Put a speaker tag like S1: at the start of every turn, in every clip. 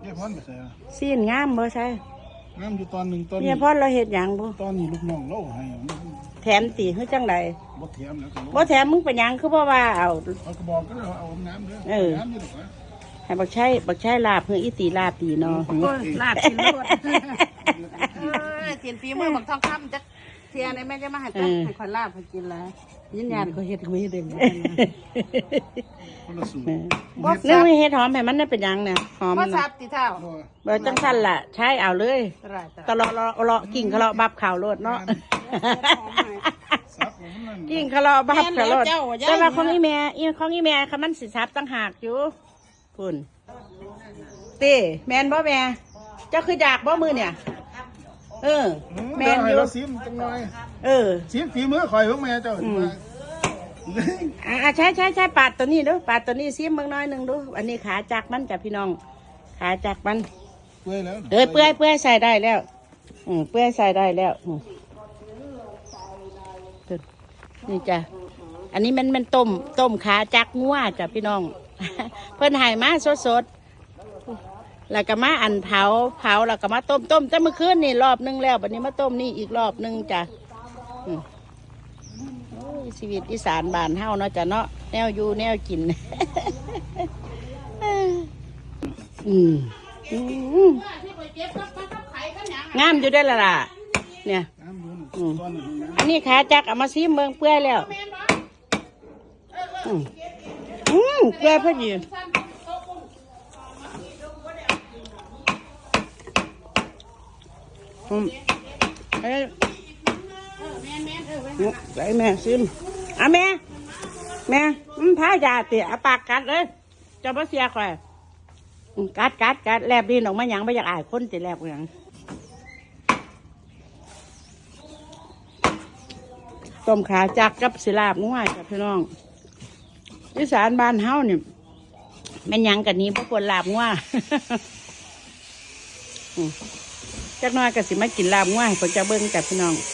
S1: เนี่ยพ่อนไปใส่
S2: ซีนงามบ่ใช่
S1: งามอยู่ตอนหนึ่งตอน
S2: เนี่ยพ่อเราเฮ็ดหยังบ่
S1: ตอนนี้ลูกน้องเราให้
S2: แถมตีคือจังได
S1: บ่แถมแล้ว
S2: บ่แถมมึงเป็นหยังคือบ่ว่าเอา
S1: กระบอกก็เอาน้ำเด้อน้ำนี่หรอกนะ
S2: ให้บักใช้ลาบเฮืออีตีลาบตีเนาะ
S3: ลาบกินรวดเสียนปีมือบักทองคำจักเทียในแม่จะมาให้จักให้คนลาบให้กินแล้วยินยานก็เฮ็ดกูเฮ็ดเอง
S1: คนละสูตร
S2: นึกไม่เฮ็ดหอมให้มันได้เป็นหยังเนี่ยหอม
S3: บ่ซับติเท่า
S2: บ่จังซั่นล่ะใช้เอาเลยตลอดเลาะกิ่งเขาเลาะบับข่าวโลดเนาะกิ่งเขาเลาะบับข่าวโลดแต่ว่าของอีแม่ค่ะมันสิซับต่างหากอยู่พุ่นติแม่นบ่แม่เจ้าคืออยากบ่มื้อเนี่ย
S1: แม่นอยู่ซิมจังหน่อยซิมฝีมือข่อยของแม่เจ้า
S2: ใช่ปาดตัวนี้ดูปาดตัวนี้ซิมเบิ่งน้อยนึงดูอันนี้ขาจักมันจ้ะพี่น้องขาจักมัน
S1: เปื่อยแล้ว
S2: เปื่อยใส่ได้แล้วเปื่อยใส่ได้แล้วนี่จ้ะอันนี้มันต้มขาจักงัวจ้ะพี่น้องเพิ่นให้มาสดแล้วก็มาอันเผาแล้วก็มาต้มแต่เมื่อคืนนี่รอบนึงแล้ววันนี้มาต้มนี่อีกรอบนึงจ้ะชีวิตอีสานบ้านเฮาเนาะจ้ะเนาะแนวอยู่แนวกินงามอยู่ได้ละล่ะเนี่ยอันนี้ขาจักเอามาซีเมืองเปื่อยแล้วเปื่อยพอดีแม่ซิมแม่พายาเตี๋ยปากกัดเลยจะมาเสียใครกัดแลบดินออกมาหยังไม่อยากอายคนติแลบหยังต้มขาจักกับศิลาบง่ายกับพี่น้องอีสานบ้านเฮาเนี่ยแม่นยังกันนี้พวกคนลาบง่าจักน้อยก็สิมากินลาบง่ายคนจะเบิ้งกับพี่น้อง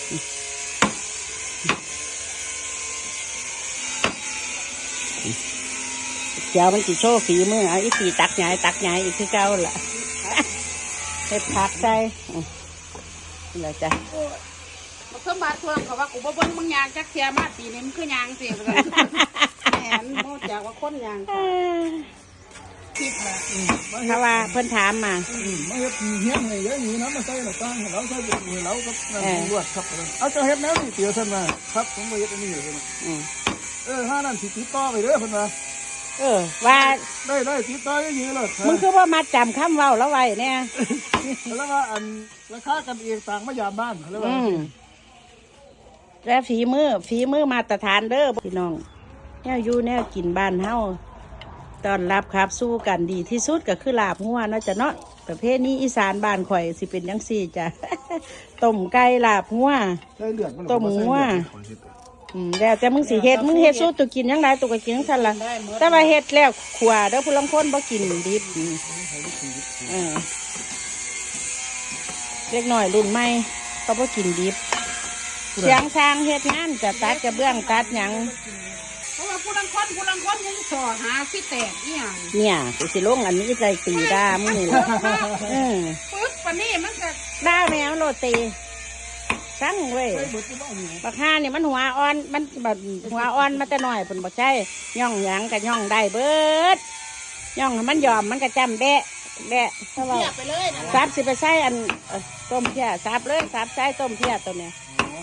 S2: เจ้ามันจิโชว์ฝีมืออีสีตักใหญ่อีกคือเก่าล่ะเฮ็ดผักใส่นี่แหละจ้ะ
S3: มาเครื่องบาดทวงเขาว่ากูบ่เบิ่งมึงยางจักเทียมาปีนี้มึงคือยางสิแหมโมจากว่าคนยางคิดละ
S2: ถ้าว่าเพิ่นถามมา
S1: ไม่เฮ็ดเฮี้ยนให้เยอะนี่นะมาใส่หน้าต่างเราใส่แบบนี้เราก็ลวดครับเอาเจ้าเฮ็ดแล้วนี่เตี๋ยวท่านมาครับผมบ่เฮ็ดอันนี้เลยห้านั่นสิติดต่อไปเด้อเพิ่นว่า
S2: ว่า
S1: ได้ติดต่อได้ยื้อเลย
S2: มึงคือว่ามาจำคำเว้าแล้วไว้เนี่ย
S1: แล้วว่าอันราคากันเองต่างมายามบ้านแล้วว่า
S2: แล้วฝีมือมาตรฐานเด้อพี่น้องแนวอยู่แนวกินบ้านเฮาตอนรับครับสู้กันดีที่สุดก็คือลาบงัวเนาะจ้ะเนาะประเภทนี้อีสานบ้านข่อยสิเป็นจังซี่จ้ะต้มไก่ลาบงัวต้มงัวแล้วแต่มึงสิเฮ็ดสู้ตัวกินยังไงตัวก็กินทั้งสั้นละแต่ว่าเฮ็ดแล้วขวาเด้อผู้ลางคนบ่กินดิบเล็กน้อยรุ่นใหม่ก็บ่กินดิบเสียงช้างเฮ็ดงานจะตัดกระเบื้องตัดหยัง
S3: เพราะว่าผู้ลังคนยังสอหาสิแตกอีหยัง
S2: เนี่ยสิลงอันนี้ใจตีด่ามึงนี่แหละ
S3: ปึ๊บปานนี้มันก็
S2: ด่าแมวโรตีสั่งเว้ยบักห่าเนี่ยมันหัวอ่อนมันแบบหัวอ่อนมันแต่น้อยเป็นบ่ใช่ย่องหยังกับย่องได้เบิดย่องมันยอมมันก็จำแบะเท่าไหร่ซับสิไปใส่อันต้มเพี้ยซับเลยซับใส่ต้มเพี้ยตัวเนี้ย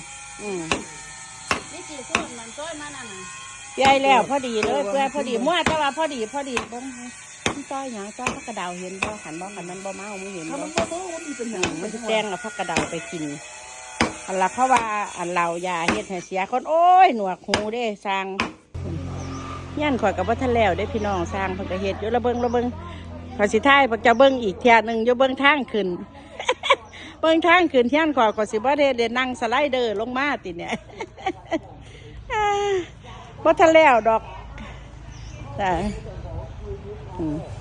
S3: นี่กี่ส่วนมันต้นมานั่น
S2: ใหญ่แล้วพอดีเลยเพื่อพอดีมั่วแต่ว่าพอดีบ้องต้อยหยังต้อยพักกระดาวเห็นบ่ขันมันบ่เมาไม่เห็นบ่มันจะแจ้งเอาพักกระดาวไปกินอันละเพราะว่าอันเรายาเฮ็ดให้เสียคนโอ้ยหนวกหูเด้สร้างย่านข่อยกับว่าทะแล้วได้พี่น้องสร้างเพิ่นก็เฮ็ดอยู่ระเบิงพอสิท้ายเพิ่นจะเบิ่งอีกเที่ยนึงอยู่เบิ่งทางขึ้นเบิ่งทางขึ้นเที่ยนข่อยก็สิบ่ได้นั่งสไลเดอร์ลงมาติเนี่ยบ่ทะแล้วดอกจ้ะ